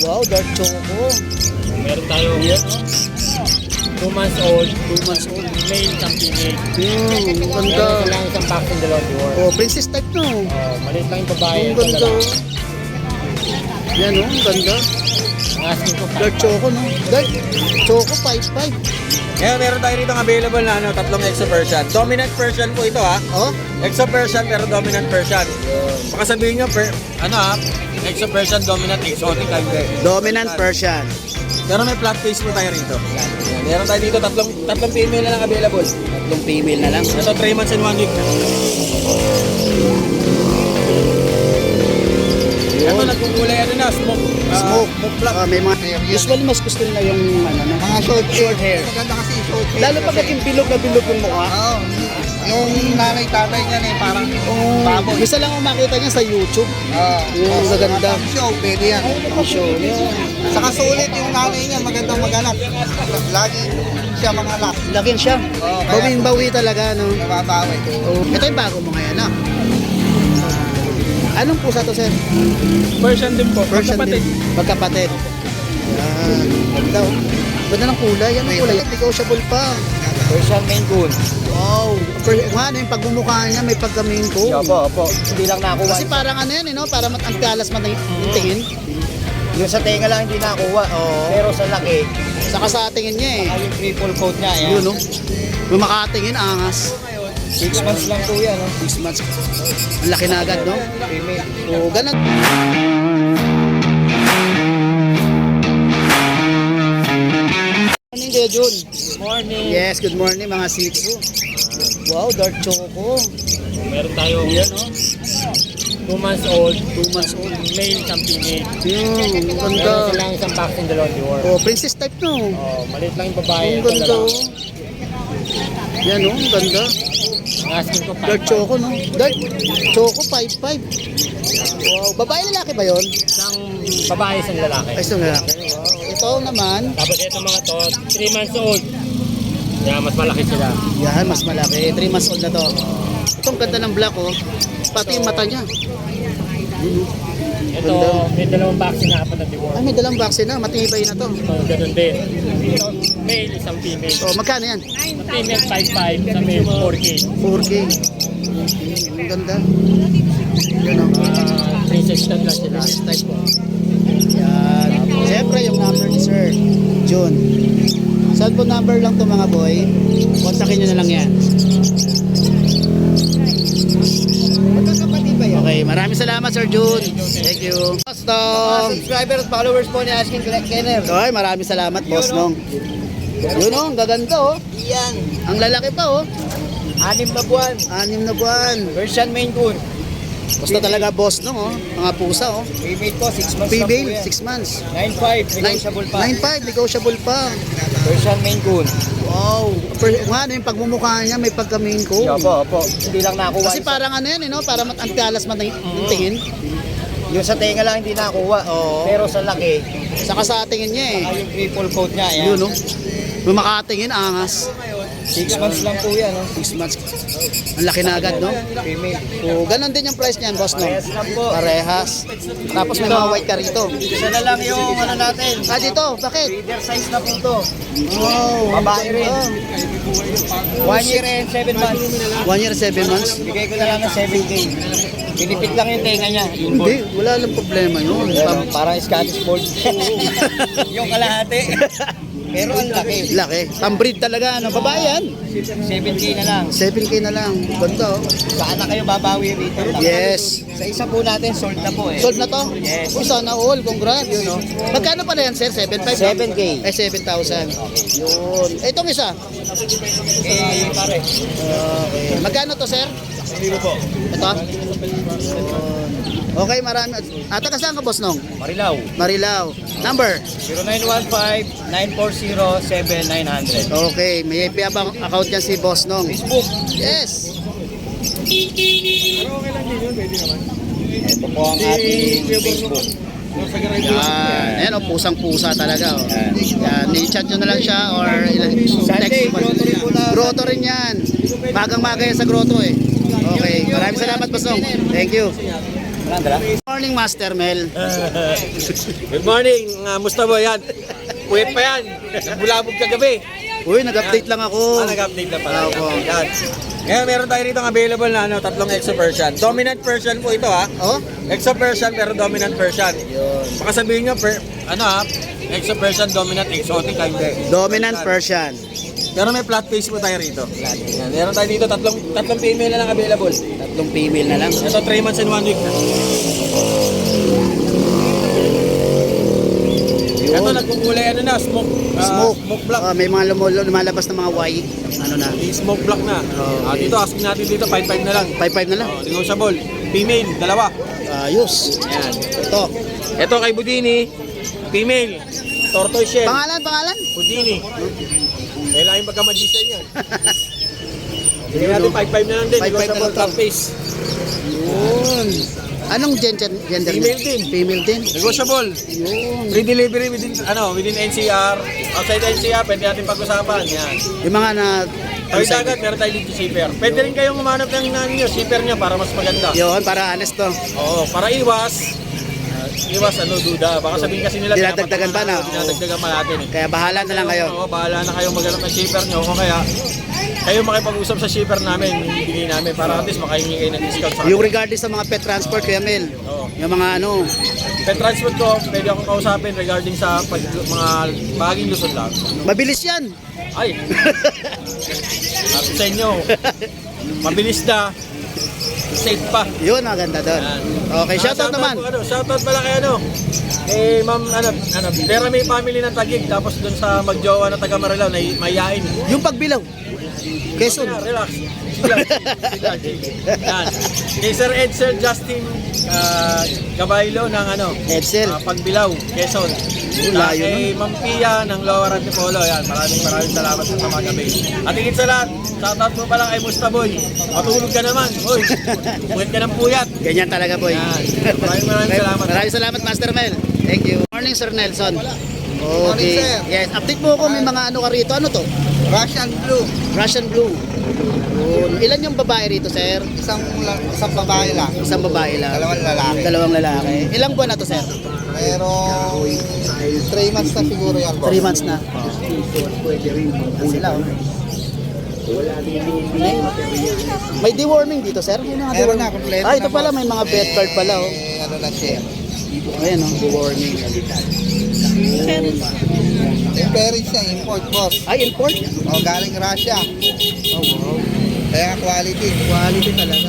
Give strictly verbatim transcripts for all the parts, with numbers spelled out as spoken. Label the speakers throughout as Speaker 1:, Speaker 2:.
Speaker 1: Wow, dark choco.
Speaker 2: Meron tayo
Speaker 1: Yan.
Speaker 2: two months old,
Speaker 1: two months old.
Speaker 2: male isang female.
Speaker 1: Hmm, ang
Speaker 2: Meron
Speaker 1: ganda.
Speaker 2: silang isang vaccine dalawang reward.
Speaker 1: Oh, princess type no.
Speaker 2: Oh, maliit lang yung babae.
Speaker 1: Ang
Speaker 2: ito
Speaker 1: ganda.
Speaker 2: lalaki.
Speaker 1: Yan oh, ang ganda.
Speaker 2: Ang asking ko
Speaker 1: Dark choco no. Dark choco five five.
Speaker 3: Ngayon, meron tayo rito available na ano, tatlong Exo Persian. Dominant Persian po ito ha.
Speaker 1: Oh,
Speaker 3: Exo Persian pero dominant Persian. Baka sabihin nyo, per, ano ha, Exo Persian, dominant, exotic type.
Speaker 1: dominant Persian.
Speaker 3: Pero may flat face po tayo rito. Yan. Meron tayo dito, tatlong, tatlong female na lang available.
Speaker 1: Tatlong female na lang.
Speaker 3: Ito, three months and one week na. Ito, nagkukulay ano na, smoke. ah,
Speaker 1: Smoke.
Speaker 3: Smoke black.
Speaker 1: Ah, may mga usually mas gusto nila yung ano na.
Speaker 4: Mga short,
Speaker 1: Short hair.
Speaker 4: Maganda kasi yung short hair.
Speaker 1: Lalo pag naging bilog na bilog yung mukha.
Speaker 4: Oo. Yung nanay tatay niya eh, parang
Speaker 1: Oh,
Speaker 4: baboy.
Speaker 1: gusto lang akong makita niya sa YouTube.
Speaker 4: Oo.
Speaker 1: Yung
Speaker 4: Oo,
Speaker 1: maganda.
Speaker 4: mga show, pwede yan.
Speaker 1: Ang show niya.
Speaker 4: Saka sulit yung nanay niya, magandang mag-anak. Lagi siya mga-anak.
Speaker 1: Lakin siya.
Speaker 4: Oo, kaya-
Speaker 1: Bawin-bawi talaga, no?
Speaker 4: Nababawi.
Speaker 1: Oh, ito yung bago mo ngayon, no? Anong pusa to, sir?
Speaker 2: Persian din po.
Speaker 1: Persian din. Magkapatid. Yan. Ganda, oh. Ganda ng kulay. Yan ang kulay. Negotiable pa.
Speaker 2: Persian Maine Coon.
Speaker 1: Wow. Per nga, ano yung pagmumukha niya, may pagkaming ko.
Speaker 2: Opo, opo. Hindi lang nakuha.
Speaker 1: Kasi parang ano yan, eh, no? Para mat ang talas man yung tingin.
Speaker 2: Yung sa tenga lang hindi nakuha.
Speaker 1: Oo.
Speaker 2: Pero sa laki,
Speaker 1: Saka sa tingin niya, eh.
Speaker 2: saka yung triple coat niya. Ayan.
Speaker 1: Yun, no? Kung makatingin, angas.
Speaker 2: Six months lang po yan. No?
Speaker 1: Six months. Ang laki na agad, no?
Speaker 2: Female.
Speaker 1: Oo, ganun. Morning, Kuya Jun.
Speaker 2: Morning.
Speaker 1: Yes, good morning mga six. Wow, dark choco.
Speaker 2: Meron tayo
Speaker 1: Yan, no?
Speaker 2: two months old,
Speaker 1: Two months old.
Speaker 2: male isang female.
Speaker 1: Yung, ang
Speaker 2: Meron
Speaker 1: ganda.
Speaker 2: silang isang vaccine dalawang reward.
Speaker 1: Oh, princess type, no?
Speaker 2: Oh, maliit lang yung babae.
Speaker 1: Ang
Speaker 2: ito
Speaker 1: ganda,
Speaker 2: lalaki.
Speaker 1: oh. Yan, no? Ang ganda.
Speaker 2: Ang asking ko
Speaker 1: Dark choco, no? Dark choco five five. Wow, babae lalaki ba yon?
Speaker 2: Isang babae, isang lalaki.
Speaker 1: Ay, isang lalaki. Wow. Ito naman,
Speaker 2: Tapos ito mga to, three months old. Yeah, mas malaki sila.
Speaker 1: yan, mas malaki. three months old na to. Itong ganda ng black, oh. Pati yung mata niya. Yun, oh.
Speaker 2: Ito,
Speaker 1: Ganda.
Speaker 2: may dalawang vaccine na apat na reward.
Speaker 1: Ay, may dalang vaccine na. Matibay na to.
Speaker 2: Ito, ganun din. Ito, male, isang female.
Speaker 1: So, magkano yan?
Speaker 2: Sa female, five five. Sa male, four K.
Speaker 1: four K. Ang ganda. Yan, oh.
Speaker 2: Uh, princess stud lang sila.
Speaker 1: Princess type po. Yan. Siyempre, yung number ni Sir June. Cellphone number lang to mga boy. Kontakin nyo na lang yan.
Speaker 4: Magkakapatid ba yan?
Speaker 1: Okay, maraming salamat Sir June. Thank you.
Speaker 4: Mga
Speaker 1: Boston.
Speaker 4: subscriber at followers po ni Asking Kenner.
Speaker 1: Okay, maraming salamat boss nong. Yun oh, ang gaganda oh.
Speaker 4: Yan.
Speaker 1: Ang lalaki pa oh.
Speaker 2: Anim na buwan.
Speaker 1: Anim na buwan.
Speaker 2: Persian Maine Coon.
Speaker 1: Basta talaga boss nong oh. Mga pusa oh.
Speaker 2: Female po, six months lang po
Speaker 1: Female,
Speaker 2: yan.
Speaker 1: six months.
Speaker 2: nine five, negotiable pa.
Speaker 1: nine five, negotiable pa.
Speaker 2: Persian Maine Coon.
Speaker 1: Wow. Per, nga, ano yung pagmumukha niya, may pagkaming ko.
Speaker 2: Opo, opo. Hindi lang nakuha.
Speaker 1: Kasi parang ano yan, eh, no? Para mat ang talas man yung tingin.
Speaker 2: Yung sa tenga lang hindi nakuha.
Speaker 1: Oo.
Speaker 2: Pero sa laki,
Speaker 1: Saka sa tingin niya eh.
Speaker 2: saka yung triple coat niya. Ayan.
Speaker 1: Yun, no? Kung makatingin, angas.
Speaker 2: Six months lang po yan. No?
Speaker 1: Six months. Ang laki na agad, no?
Speaker 2: Female.
Speaker 1: So, ganun din yung price niyan, boss, no?
Speaker 2: Parehas lang po.
Speaker 1: Parehas. Tapos may mga white ka rito.
Speaker 2: Isa na lang yung ano natin.
Speaker 1: Ah, dito, bakit?
Speaker 2: Breeder size na po to.
Speaker 1: Wow.
Speaker 2: Babae rin.
Speaker 1: Ah,
Speaker 2: One year and seven months.
Speaker 1: one year, seven months.
Speaker 2: Bigay ko na lang ng seven K. Pinipit lang yung tenga niya.
Speaker 1: Hindi, wala lang problema yun.
Speaker 2: Pero parang Scottish Fold. Yung kalahati. Pero ang laki.
Speaker 1: Laki. Pambreed talaga, ano? Babae yan.
Speaker 2: seven K na lang.
Speaker 1: seven K na lang. Ganda, oh.
Speaker 2: Saan na kayo babawi rito?
Speaker 1: Yes.
Speaker 2: Sa isa po natin, sold na po eh.
Speaker 1: Sold na to?
Speaker 2: Yes.
Speaker 1: Uy, sana all. Congrats. Yun, no? Magkano pala yan, sir? seven five?
Speaker 2: seven K.
Speaker 1: Ay, seven thousand. Yun. Eh, itong isa?
Speaker 2: Eh, pare.
Speaker 1: Okay. Magkano to, sir?
Speaker 2: Zero po.
Speaker 1: Ito? Yun. Okay, marami. At taga saan ka, boss, nong?
Speaker 2: Marilao.
Speaker 1: Marilao. Number?
Speaker 2: zero nine one five, nine four zero, seven nine zero zero.
Speaker 1: Okay, may I P abang account yan si boss, nong.
Speaker 2: Facebook.
Speaker 1: Yes.
Speaker 2: Ito po ang ating Facebook.
Speaker 1: Yan. Ayan, oh, pusang-pusa talaga, oh. Yan, i-chat nyo na lang siya or
Speaker 2: Sunday,
Speaker 1: text mo.
Speaker 2: grotto rin po na.
Speaker 1: Grotto rin yan. Magang-maga yan sa grotto, eh. Okay, maraming salamat, boss, nong. Thank you.
Speaker 2: Walang dala?
Speaker 1: Good morning. morning, Master Mel.
Speaker 3: Good morning, uh, Mustafa yan. Puyat pa yan. Nagbulabog kagabi.
Speaker 1: Uy, nag-update lang ako.
Speaker 3: Ah, nag-update na pala.
Speaker 1: Opo.
Speaker 3: Yan. Ngayon, meron tayo rito available na ano, tatlong exo version. Dominant version po ito ha.
Speaker 1: Oh?
Speaker 3: Exo version pero dominant version. Baka sabihin nyo, per, ano ha, exo version, dominant, exotic, ah, hindi.
Speaker 1: Dominant Persian.
Speaker 3: Pero may flat face po tayo rito. Yan. Meron tayo dito, tatlong, tatlong female na lang available.
Speaker 1: Tatlong female na lang.
Speaker 3: Ito, three months and one week na. Ito, nagkukulay ano na, smoke. ah,
Speaker 1: Smoke.
Speaker 3: Smoke block.
Speaker 1: Ah, may mga lumul- lumalabas na mga white. Ano na?
Speaker 3: Yung smoke block na.
Speaker 1: Oh,
Speaker 3: Ah,
Speaker 1: okay.
Speaker 3: dito, asking natin dito, five five na lang.
Speaker 1: five five na lang.
Speaker 3: Oh, negotiable. Female, dalawa.
Speaker 1: Ayos.
Speaker 3: Yan.
Speaker 1: Ito.
Speaker 3: Ito kay Budini, female. Tortoise shell.
Speaker 1: Pangalan, pangalan?
Speaker 3: Budini. Kailangan pagka-magician yan. Bigyan natin five five na lang din.
Speaker 1: five five na
Speaker 3: Negotiable
Speaker 1: lang to.
Speaker 3: top face.
Speaker 1: Yun. Anong gender, gender
Speaker 3: Female
Speaker 1: niya?
Speaker 3: din.
Speaker 1: Female din.
Speaker 3: Negotiable.
Speaker 1: Yun.
Speaker 3: Free delivery within, ano, within N C R. Outside N C R, pwede natin pag-usapan. Yan.
Speaker 1: Yung mga na...
Speaker 3: Tawid dagat, meron tayo dito shipper. Pwede rin kayong umanap ng ninyo, shipper nyo para mas maganda.
Speaker 1: Yun, para honest to.
Speaker 3: Oo, para iwas. ah, iwas, ano, duda. Baka sabihin kasi nila,
Speaker 1: Dinadagdagan pa na, oo.
Speaker 3: Dinadagdagan pa natin eh.
Speaker 1: Kaya bahala na lang kayo.
Speaker 3: Oo, bahala na kayong maghanap ng shipper nyo. O kaya, kayo makipag-usap sa shipper namin, yung bigay namin, para at least makahingi kayo ng discount sa
Speaker 1: Yung
Speaker 3: akin.
Speaker 1: regardless sa mga pet transport, Kuya Mel.
Speaker 3: Oo.
Speaker 1: Yung mga ano,
Speaker 3: Pet transport ko, pwede akong kausapin regarding sa pag, mga bahaging Luzon lang.
Speaker 1: mabilis yan.
Speaker 3: Ay! Sabi sa inyo, mabilis na, safe pa.
Speaker 1: Yun, maganda doon.
Speaker 3: Yan.
Speaker 1: Okay,
Speaker 3: Ah,
Speaker 1: shoutout naman.
Speaker 3: po, ano, shoutout pala kay ano. Eh, ma'am, ano, ano, pero may family ng Taguig, tapos dun sa magjowa na taga Marilao, na mayayain.
Speaker 1: Yung pagbilaw. Quezon.
Speaker 3: Okay na, relax. Sige lang, sige lang, sige. Yan. Kay Sir Ed, Sir Justin uh, Gabaylo ng ano,
Speaker 1: Edsel.
Speaker 3: ah, Pagbilaw, Quezon.
Speaker 1: Oh,
Speaker 3: Ah,
Speaker 1: layo
Speaker 3: kay Ma'am Pia ng Lower Antipolo. Yan, maraming maraming salamat sa mga gabi. At higit sa lahat, shoutout mo pala kay Mustaboy. Matulog ka naman. Uy, puyat ka ng puyat.
Speaker 1: Ganyan talaga, boy.
Speaker 3: Yan. Maraming maraming salamat.
Speaker 1: Maraming salamat, Master Mel. Thank you. Morning, Sir Nelson.
Speaker 4: Morning,
Speaker 1: Okay.
Speaker 4: sir.
Speaker 1: Yes, update mo ako. May mga ano ka rito. Ano to?
Speaker 4: Russian blue.
Speaker 1: Russian Blue. Yun. Ilan yung babae rito, sir?
Speaker 4: Isang, la- isang babae lang.
Speaker 1: Isang babae lang.
Speaker 4: Dalawang lalaki.
Speaker 1: Dalawang lalaki. Ilang buwan na to, sir?
Speaker 4: Pero three months na siguro yan, boss.
Speaker 1: Three months na. Yan sila, oh. May, may deworming dito, sir? May mga
Speaker 4: Meron
Speaker 1: deworming.
Speaker 4: na, kompleto
Speaker 1: Ah, ito
Speaker 4: na,
Speaker 1: pala,
Speaker 4: boss.
Speaker 1: may mga vet card pala, oh.
Speaker 4: Eh, ano na siya.
Speaker 1: Ayan, oh, deworming.
Speaker 4: Yung parents niya, import, boss.
Speaker 1: Ay, import?
Speaker 4: O, galing Russia.
Speaker 1: Oh, wow.
Speaker 4: Kaya quality.
Speaker 1: Quality talaga.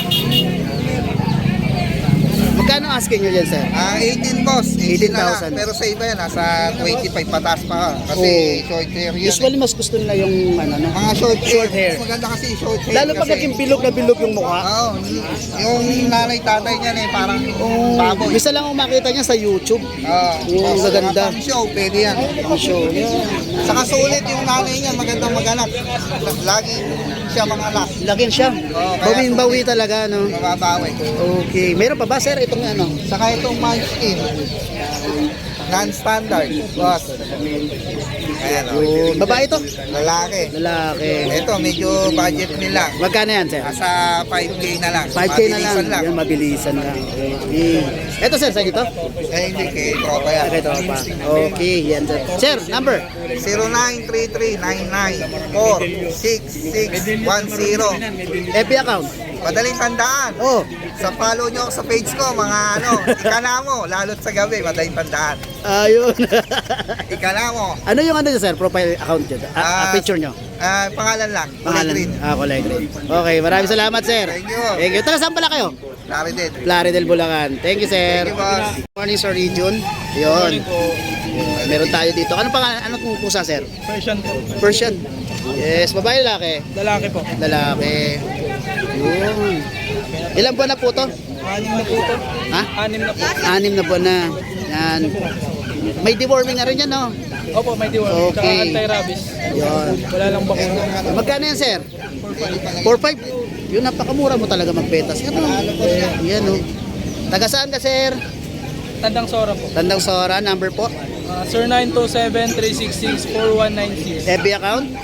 Speaker 1: Magkano asking nyo dyan, sir?
Speaker 4: Ah, eighteen, boss. eighteen na
Speaker 1: eighteen thousand.
Speaker 4: lang. Pero sa iba yan, nasa twenty-five patas pa. Kasi
Speaker 1: Oo.
Speaker 4: short hair yun.
Speaker 1: Usually, mas gusto nila yung, ano, no?
Speaker 4: Mga short hair.
Speaker 1: Short hair.
Speaker 4: Mas maganda kasi short hair.
Speaker 1: Lalo pag
Speaker 4: kasi-
Speaker 1: naging bilog na bilog yung mukha.
Speaker 4: Oo. Yung nanay tatay niyan eh, parang
Speaker 1: Oh,
Speaker 4: baboy.
Speaker 1: bisa lang ako makita niya sa YouTube.
Speaker 4: Oo.
Speaker 1: Oo,
Speaker 4: Tapos
Speaker 1: maganda.
Speaker 4: mga pang show, pwede yan.
Speaker 1: Ang show.
Speaker 4: Saka sulit yung nanay niya, magandang maganak. Lagi siya mga anak.
Speaker 1: Lakin siya.
Speaker 4: Oo, kaya-
Speaker 1: Bawin-bawi talaga, no?
Speaker 4: Mababawi.
Speaker 1: Okay. Meron pa ba, sir? Itong ano?
Speaker 4: Saka itong munchkin. Non-standard. Boss. Ayan o.
Speaker 1: Yung babae to?
Speaker 4: Lalaki.
Speaker 1: Lalaki.
Speaker 4: Ito, medyo budget nila.
Speaker 1: Magkano yan, sir?
Speaker 4: Nasa five K na lang.
Speaker 1: five K na lang.
Speaker 4: Mabilisan
Speaker 1: Yan, mabilisan lang. Okay. Ito, sir, sa dito?
Speaker 4: Eh, hindi kay tropa yan.
Speaker 1: Okay, ito pa. Okay, yan, sir. Sir, number?
Speaker 4: zero nine three three nine nine four six six one zero.
Speaker 1: F B account?
Speaker 4: Madaling tandaan.
Speaker 1: Oh,
Speaker 4: Sa follow nyo ako sa page ko, mga ano, ikana mo, lalo't sa gabi, madaling tandaan.
Speaker 1: ayun.
Speaker 4: Ikana mo.
Speaker 1: Ano yung ano nyo, sir? Profile account nyo? Ah, ah,
Speaker 4: Ah,
Speaker 1: picture nyo?
Speaker 4: Ah, pangalan lang.
Speaker 1: Pangalan?
Speaker 4: Green.
Speaker 1: Ah, kulay green. Okay, maraming salamat, sir.
Speaker 4: Thank you.
Speaker 1: Thank you. Taga saan pala kayo?
Speaker 4: Larry din.
Speaker 1: Plaridel, Bulacan. Thank you, sir.
Speaker 4: Thank you, boss.
Speaker 1: Morning, Sir Region. Yun. Meron tayo dito. Ano pangalan? Ano kung pusa, sir?
Speaker 2: Persian po.
Speaker 1: Persian. Yes, babae, lalaki.
Speaker 2: Lalaki po.
Speaker 1: Lalaki. Yun. Ilang buwan na po to?
Speaker 2: Anim na po ito.
Speaker 1: Ha?
Speaker 2: Anim na po.
Speaker 1: Anim na buwan na. Yan. May deworming na rin yan, no?
Speaker 2: Opo, may deworm. Tsaka
Speaker 1: Okay.
Speaker 2: anti-rabies.
Speaker 1: Yun.
Speaker 2: Wala lang bakuna.
Speaker 1: Magkano yan, sir? four five. Yun, napakamura mo talaga magbetas. Yan, no? Yan, no? Taga saan ka, sir?
Speaker 2: Tandang Sora po.
Speaker 1: Tandang Sora, number po.
Speaker 2: Uh, sir nine two seven three six six four one nine six.
Speaker 1: F B account?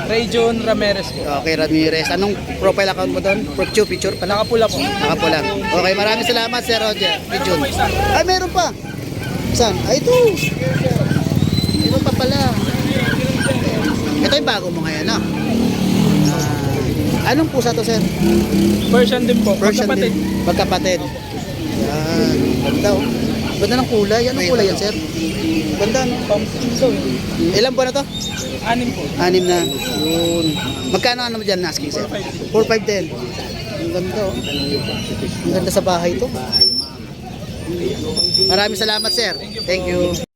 Speaker 2: Ray John Ramirez po.
Speaker 1: Okay, Ramirez. Anong profile account mo doon? Picture, picture pala.
Speaker 2: Nakapula po.
Speaker 1: Nakapula. Okay, maraming salamat, Sir Roger. Pigeon. Ay, meron pa. Saan? Ay, ito. Meron pa pala. Ito yung bago mo ngayon, no? Ah, anong pusa to, sir?
Speaker 2: Persian din po.
Speaker 1: Persian
Speaker 2: Magkapatid.
Speaker 1: din. Magkapatid. Yan. Ganda, oh. Ganda ng kulay. Anong kulay yan, sir? Ganda, no? Ilan buwan na to?
Speaker 2: Anim po.
Speaker 1: Anim na. Yun. Magkano ano mo dyan asking, sir? four five ten. Ang ganda, oh. Ang ganda sa bahay to. Maraming salamat, sir. Thank you.